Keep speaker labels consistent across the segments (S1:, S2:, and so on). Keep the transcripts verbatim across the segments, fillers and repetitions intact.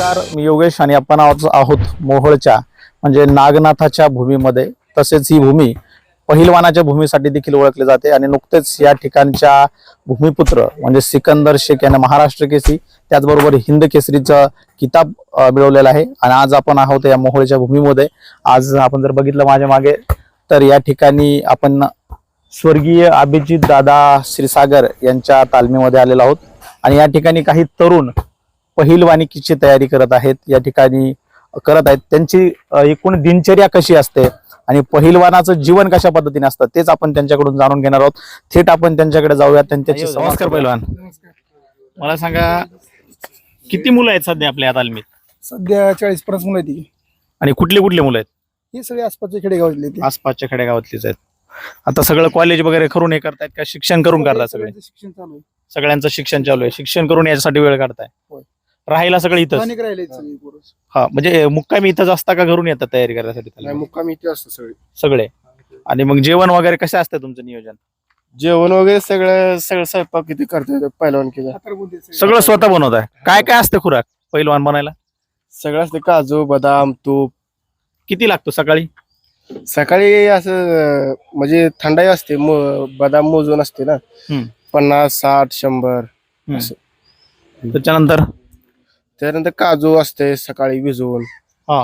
S1: नमस्कार, मी योगेश आणि आपण आहोत मोहोळच्या म्हणजे नागनाथाच्या भूमीमध्ये. तसेच ही भूमी पहिलवानाच्या भूमीसाठी देखील ओळखली जाते आणि नुकतेच या ठिकाणच्या भूमिपुत्र म्हणजे सिकंदर शेख यांना महाराष्ट्र केसरी त्याचबरोबर हिंद केसरीचा किताब मिळवलेला आहे. आणि आज आपण आहोत या मोहोळच्या भूमीमध्ये. आज आपण जर बघितलं माझ्या मागे तर या ठिकाणी आपण स्वर्गीय अभिजित दादा श्रीसागर यांच्या तालमीमध्ये आलेलो आहोत आणि या ठिकाणी काही तरुण पहिलवानिकीची तयारी करत आहेत. या ठिकाणी करत आहेत त्यांची एकूण दिनचर्या कशी असते आणि पहिलवानाचं जीवन कशा पद्धतीने असतं तेच आपण त्यांच्याकडून जाणून घेणार आहोत. थेट आपण त्यांच्याकडे जाऊयात. त्यांच्याशी नमस्कार पहिलवान. मला सांगा किती मुलं आहेत सध्या आपल्या तालमीत?
S2: सध्या चाळीस पन्नास मुलं आहेत.
S1: आणि कुठले कुठले मुलं आहेत?
S2: ही सगळे आसपासच्या खेडेगावातले.
S1: आसपासच्या खेडेगावातलीच आहेत. आता सगळं कॉलेज वगैरे करून हे करतायत का शिक्षण करून करतात? सगळे
S2: शिक्षण चालू आहे.
S1: सगळ्यांचं शिक्षण चालू आहे. शिक्षण करून याच्यासाठी वेळ काढताय? राहायला सगळं इथं? हा, म्हणजे मुक्कामी इथंच असता का घरून येतात तयारी करण्यासाठी?
S2: मुक्कामी इथे असतं सगळे
S1: सगळे. आणि मग जेवण वगैरे कसं असतं तुमचं नियोजन?
S2: जेवण वगैरे सगळं सगळं स्वयंपाक किती करतोय पहिलवान केलं
S1: सगळं स्वतः बनवत आहे? काय काय असतं खुराक पहिलवान बनायला?
S2: सगळं असतं, काजू बदाम तूप.
S1: किती लागतो सकाळी?
S2: सकाळी असं म्हणजे थंडाई असते, बदाम मोजून असते ना, पन्नास साठ शंभर असं.
S1: त्याच्यानंतर
S2: त्यानंतर काजू असते सकाळी भिजवून.
S1: हा.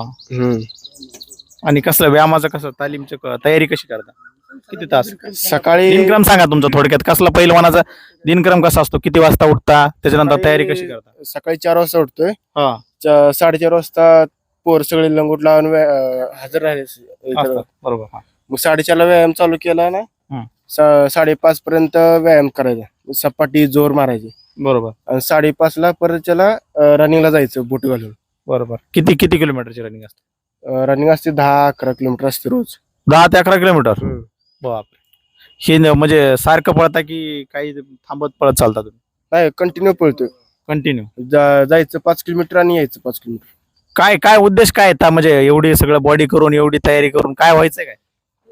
S1: आणि कसं व्यायामाचं कसं तालीमची तयारी कशी करता? किती तास
S2: सकाळी?
S1: दिनक्रम सांगा तुमचा थोडक्यात. कसला पहिलवानाचा दिनक्रम कसा असतो? किती वाजता उठता? त्याच्यानंतर तयारी कशी करता?
S2: सकाळी चार वाजता उठतोय.
S1: हा.
S2: साडेचार वाजता पोर सगळे लंगोट लावून हजर राहिले.
S1: बरोबर.
S2: मग साडेचारला व्यायाम चालू केला ना, साडेपाच पर्यंत व्यायाम करायचा, सपाटी जोर मारायची.
S1: बरोबर.
S2: आणि साडेपाच ला परत त्याला रनिंगला जायचं बोट घालून.
S1: बरोबर. किती किती किलोमीटरची रनिंग असते?
S2: रनिंग असते दहा अकरा किलोमीटर असते रोज.
S1: दहा ते अकरा किलोमीटर बापरे. हे म्हणजे सारखं पळता की काही थांबत पळत चालता तुम्ही?
S2: नाही, कंटिन्यू पळतोय.
S1: कंटिन्यू
S2: जायचं पाच किलोमीटर आणि यायचं पाच किलोमीटर.
S1: काय काय उद्देश काय आहे? म्हणजे एवढी सगळं बॉडी करून एवढी तयारी करून काय व्हायचंय? काय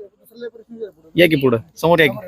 S1: या की पुढं समोर या की.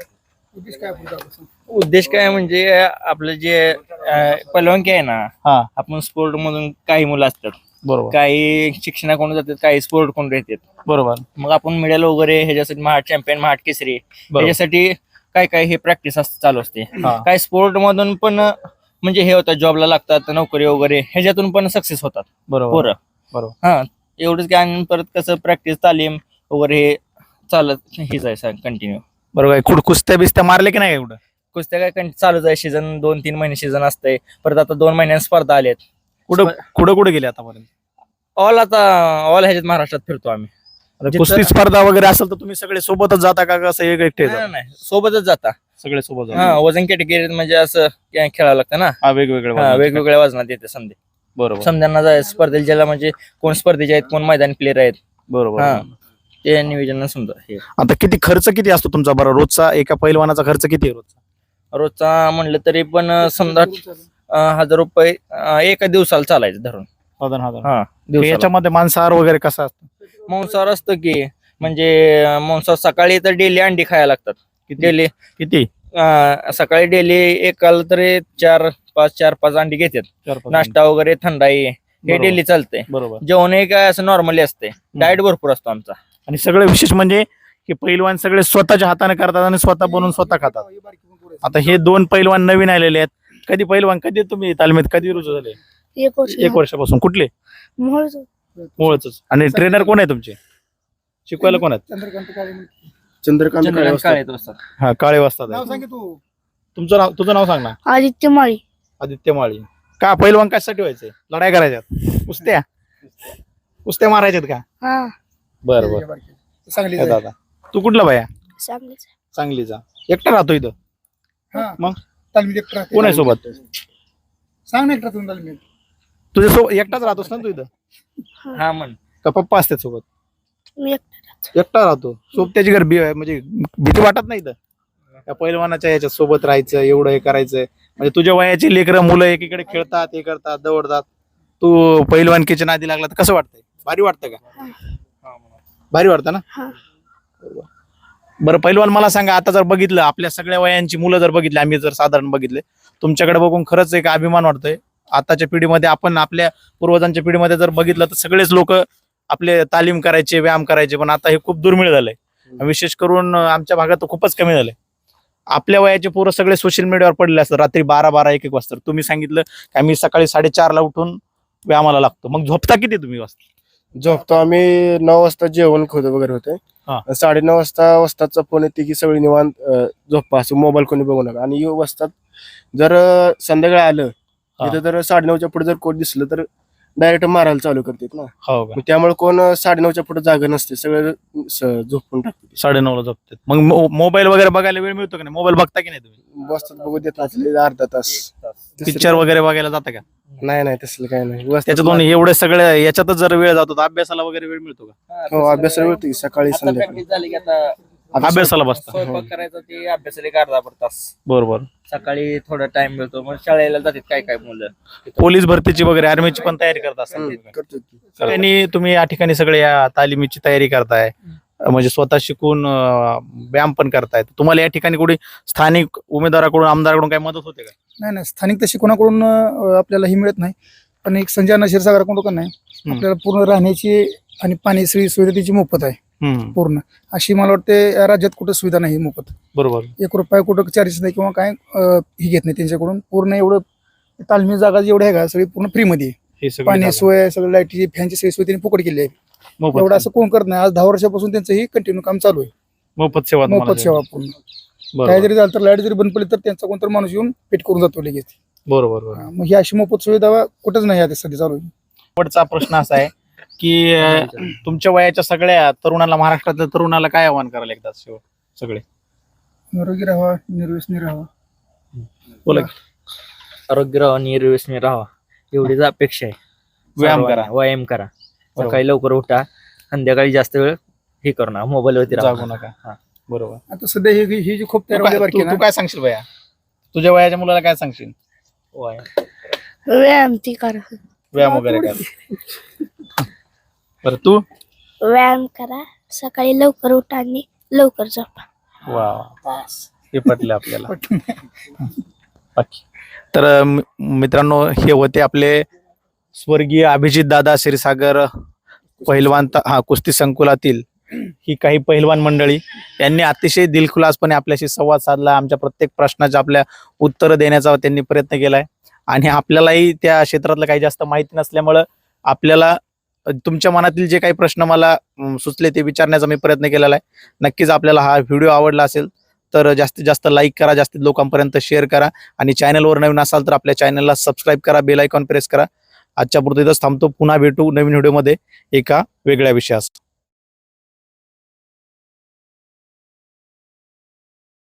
S3: उद्देश काय म्हणजे आपलं जे पहिलवानकी आहे ना,
S1: हा,
S3: आपण स्पोर्ट मधून काही मुलं असतात,
S1: बरोबर,
S3: काही शिक्षणाकडून जातात, काही स्पोर्ट कोण येतात.
S1: बरोबर.
S3: मग आपण मेडल वगैरे ह्याच्यासाठी महाड चॅम्पियन महाड केसरी ह्याच्यासाठी काय काय हे प्रॅक्टिस चालू असते. काय स्पोर्ट मधून पण म्हणजे हे होतं, जॉबला लागतात, नोकरी वगैरे ह्याच्यातून पण सक्सेस होतात पोरं.
S1: बरोबर.
S3: हा, एवढंच काय. आणि परत कसं प्रॅक्टिस तालीम वगैरे हे चालत हेच आहे कंटिन्यू.
S1: बरोबर. कुठ कुस्त्या बिस्त्या मारले की नाही? एवढं
S3: कुस्त्या काय कंटिन्यू चालूच आहे. सीझन दोन तीन महिने सीझन असतंय. परत आता दोन महिन्यांनी स्पर्धा आल्यात.
S1: कुठं कुठं कुठे गेले आतापर्यंत?
S3: ऑल आता ऑल ह्याच्यात महाराष्ट्रात फिरतो आम्ही.
S1: कुस्ती स्पर्धा वगैरे असेल तर तुम्ही सगळे सोबतच जाता का कसं एक एकटे?
S3: नाही, सोबतच जाता
S1: सगळे सोबत.
S3: हा, वजन कॅटेगरीत म्हणजे असं खेळावं लागतं ना.
S1: हा, वेगवेगळे
S3: वेगवेगळ्या वजनात येते समजे.
S1: बरोबर.
S3: समजांना जाय स्पर्धेला ज्याला म्हणजे कोण स्पर्धेचे आहेत, कोण मैदानी प्लेयर आहेत.
S1: बरोबर.
S3: हा, ते नियोजन समजा. हे
S1: आता किती खर्च किती असतो तुमचा बरं रोजचा? एका पहिलवानाचा खर्च किती आहे रोजचा?
S3: रोजचा म्हणलं तरी पण समजा हजार रुपये एका दिवसाला चालायचं धरून. हा,
S1: याच्यामध्ये मांसाहार वगैरे कसा असतो?
S3: मांसाहार असतं की म्हणजे मांसाहार सकाळी तर डेली अंडी खायला लागतात. डेली
S1: किती?
S3: सकाळी डेली एकाला तरी चार पाच चार पाच अंडी घेतात. नाश्ता वगैरे थंडाई हे डेली चालतंय.
S1: बरोबर.
S3: जेवण हे काय असं नॉर्मली असते. डाएट भरपूर असतो आमचा.
S1: आणि सगळं विशेष म्हणजे की पहिलवान सगळे स्वतःच्या हाताने करतात आणि स्वतः बनवून स्वतः खातात. आता हे दोन पहिलवान नवीन आलेले आहेत. कधी पहिलवान कधी तुम्ही तालमीत कधी रुजू झाले?
S4: एक वर्ष
S1: एक वर्षापासून. कुठले? मोहोळच. आणि ट्रेनर कोण आहे तुमचे? शिकवायला कोण आहेत?
S2: चंद्रकांत
S3: काळे
S1: हा, काळे वाजतात. तुमचं नाव तुझं नाव सांग ना.
S4: आदित्य माळी.
S1: आदित्य माळी. का पहिलवान कशासाठी व्हायचंय? लढाई करायच्यात? कुस्त्या कुस्त्या मारायच्यात का?
S4: हा,
S1: बरं बरं. दादा तू कुठला बाया?
S4: सांगलीचा.
S1: सांगलीचा. एकटा राहतो इथं? मग
S2: तालमीत एकटा
S1: कोण आहे सोबत?
S2: सांग ना एकटा तुम्ही.
S1: तुझ्या सोबत एकटाच राहतोस ना तू इथं?
S3: हा म्हण.
S1: का पप्पा असतात सोबत?
S4: मी एकटा राहतो.
S1: एकटा राहतो. सोबत्याची घर भी म्हणजे भीती वाटत नाही इथं? त्या पहिलवानाच्या याच्या सोबत राहायचं, एवढं हे करायचंय म्हणजे तुझ्या वयाची लेकरं मुलं एकीकडे खेळतात, हे करतात, दौडतात, तू पहिलवानकीच्या नादी लागला तर कसं वाटतंय? भारी वाटतं का? भारी वाटतं ना? बरं पहिलवान मला सांगा, आता जर बघितलं आपल्या सगळ्या वयांची मुलं जर बघितली, आम्ही जर साधारण बघितले तुमच्याकडे बघून खरंच एक अभिमान वाटतोय आताच्या पिढीमध्ये आपण आपल्या पूर्वजांच्या पिढीमध्ये जर बघितलं तर सगळेच लोक आपले तालीम करायचे, व्यायाम करायचे, पण आता हे खूप दुर्मिळ झालंय. विशेष करून आमच्या भागात तर खूपच कमी झालंय. आपल्या वयाचे पोरं सगळे सोशल मीडियावर पडले असतात रात्री बारा बारा एक एक वाजता. तुम्ही सांगितलं की आम्ही सकाळी साडेचारला उठून व्यायामाला लागतो. मग झोपता किती तुम्ही वाजता?
S2: झोपतो आम्ही नऊ वाजता जेवण खातो वगैरे
S1: हा.
S2: होते. साडेनऊ वाजता वाजताचा फोन येते की सगळी निवांत अं, झोपा, असं मोबाईल कोणी बघू नका. आणि वाजतात जर अं, संध्याकाळी आलं
S1: हा.
S2: तिथं जर साडेनऊच्या पुढे जर कोण दिसलं तर डायरेक्ट मारायला चालू करतात ना.
S1: हो का?
S2: मग त्यामुळे कोण अं, साडेनऊच्या पुढे जागा नसते, सगळं स- झोपून टाकते.
S1: साडेनऊला झोपतात. मग मो- मोबाईल वगैरे बघायला वेळ मिळतो की नाही? मोबाईल बघता की नाही तुम्ही?
S2: बसतात बघू देत नसले अर्धा तास.
S1: पिक्चर वगैरे बघायला जाता का?
S2: नाही नाही तसलं काय नाही. बसतात
S1: त्याच्यातून एवढे सगळे याच्यातच जर वेळ जातो तर अभ्यासाला वगैरे वेळ मिळतो का?
S2: हो, अभ्यासाला मिळतो की सकाळी
S3: आता
S2: संध्याकाळी.
S3: प्रॅक्टिस झाली की आता
S1: अभ्यासाला बसता.
S3: स्वयंपाक करायचा ते अभ्यासाला एक अर्धा भर तास.
S1: बरोबर.
S3: सकाळी थोडा टाइम मिळतो, मग शाळेला जातात काय काय मुलं.
S1: पोलीस भरतीची वगैरे आर्मीची पण तयारी करत असतात.
S2: हम्म, करतो की.
S1: आणि तुम्ही या ठिकाणी सगळे या तालिमीची तयारी करताय, म्हणजे स्वतः शिकून अं, व्यायाम पण करताय. तुम्हाला या ठिकाणी कुठे स्थानिक उमेदवाराकडून, आमदाराकडून काही मदत होते का?
S5: नाही नाही स्थानिक तशी कोणाकडून अं, आपल्याला ही मिळत नाही. पण एक संजय अण्णा क्षीरसागराकडून नाही,
S1: हम्म.
S5: आपल्याला पूर्ण राहण्याची आणि पाणी सोयी सुविधा त्याची मोफत आहे
S1: हम्म,
S5: पूर्ण. अशी मला वाटते या राज्यात कुठं सुविधा नाही मोफत.
S1: बरोबर.
S5: एक रुपया कुठं चार्जेस नाही किंवा काय अं, ही घेत नाही त्यांच्याकडून. पूर्ण एवढं तालमी जागा जेवढी आहे का सगळी पूर्ण फ्रीमध्ये आहे.
S1: हे सगळं
S5: पाणी
S1: झालं.
S5: सोय, सगळं लाईटची, फॅनची सोय सोय त्यांनी फुकट केली आहे.
S1: मोफत
S5: एवढं असं कोण करत नाही. आज दहा वर्षापासून त्यांचं ही कंटिन्यू काम चालू आहे.
S1: मोफत सेवा तुम्हाला
S5: मोफत सेवा पूर्ण.
S1: बरोबर.
S5: काय जरी झालं तर लाईट जरी बंद पडली तर त्यांचा कोणतरी माणूस येऊन पेट करून जातो लगेच.
S1: बरोबर बरोबर.
S5: मग ही अशी मोफत सुविधा कुठंच नाही आता सध्या चालू आहे.
S1: शेवटचा प्रश्न असा आहे की अं, तुमच्या वयाच्या सगळ्या तरुणाला, महाराष्ट्रातल्या तरुणाला काय आव्हान करायला एकदा शेवट सगळे?
S5: निरोगी राहावा, निर्व्यसनी राहावा.
S1: बोला.
S3: आरोग्य राहा, निर्व्यसनी राहा, एवढीच अपेक्षा आहे.
S1: व्यायाम
S3: सर्वांना
S1: करा.
S3: व्यायाम करा,
S1: बरोबर.
S3: सकाळी लवकर उठा, संध्याकाळी जास्त वेळ हे करू नका, मोबाईल वरती
S1: जागू
S3: राहा.
S1: नका.
S3: हा.
S1: बरोबर.
S5: आता सध्या ही ही जी खूप
S1: तू
S5: तयार
S1: काय-
S5: बारकी
S1: तू-
S5: ना,
S1: तू काय सांगशील भैया? तुझ्या वयाच्या मुलाला काय सांगशील?
S3: व्यायाम.
S4: व्यायाम ती करा.
S1: व्यायाम वगैरे काय? बरं तू?
S4: व्यायाम करा, सकाळी लवकर उठा आणि लवकर झोपा.
S1: वा,
S4: बस.
S1: हे पटलं आपल्याला. बाकी तर अं, मित्रांनो, हे होते आपले स्वर्गीय अभिजित दादा क्षीरसागर पहिलवान, त- हा कुस्ती संकुलातील ही काही पहिलवान मंडळी. यांनी अतिशय दिलखुलासपणे आपल्याशी संवाद साधला. आमच्या प्रत्येक प्रश्नाच्या आपल्या उत्तरं देण्याचा त्यांनी प्रयत्न केलाय. आणि आपल्यालाही त्या क्षेत्रातलं काही जास्त माहिती नसल्यामुळं आपल्याला अं, तुमच्या मनातील जे काही प्रश्न मला अं, सुचले ते विचारण्याचा मी प्रयत्न केलेला आहे. नक्कीच आपल्याला हा व्हिडिओ आवडला असेल तर जास्तीत जास्त लाईक करा, जास्तीत लोकांपर्यंत शेअर करा. आणि चॅनलवर नवीन असाल तर आपल्या चॅनलला सबस्क्राईब करा, बेल आयकॉन प्रेस करा. आजच्या पुरतं इथंच थांबतो. पुन्हा भेटू नवीन व्हिडिओमध्ये एका वेगळ्या विषयास.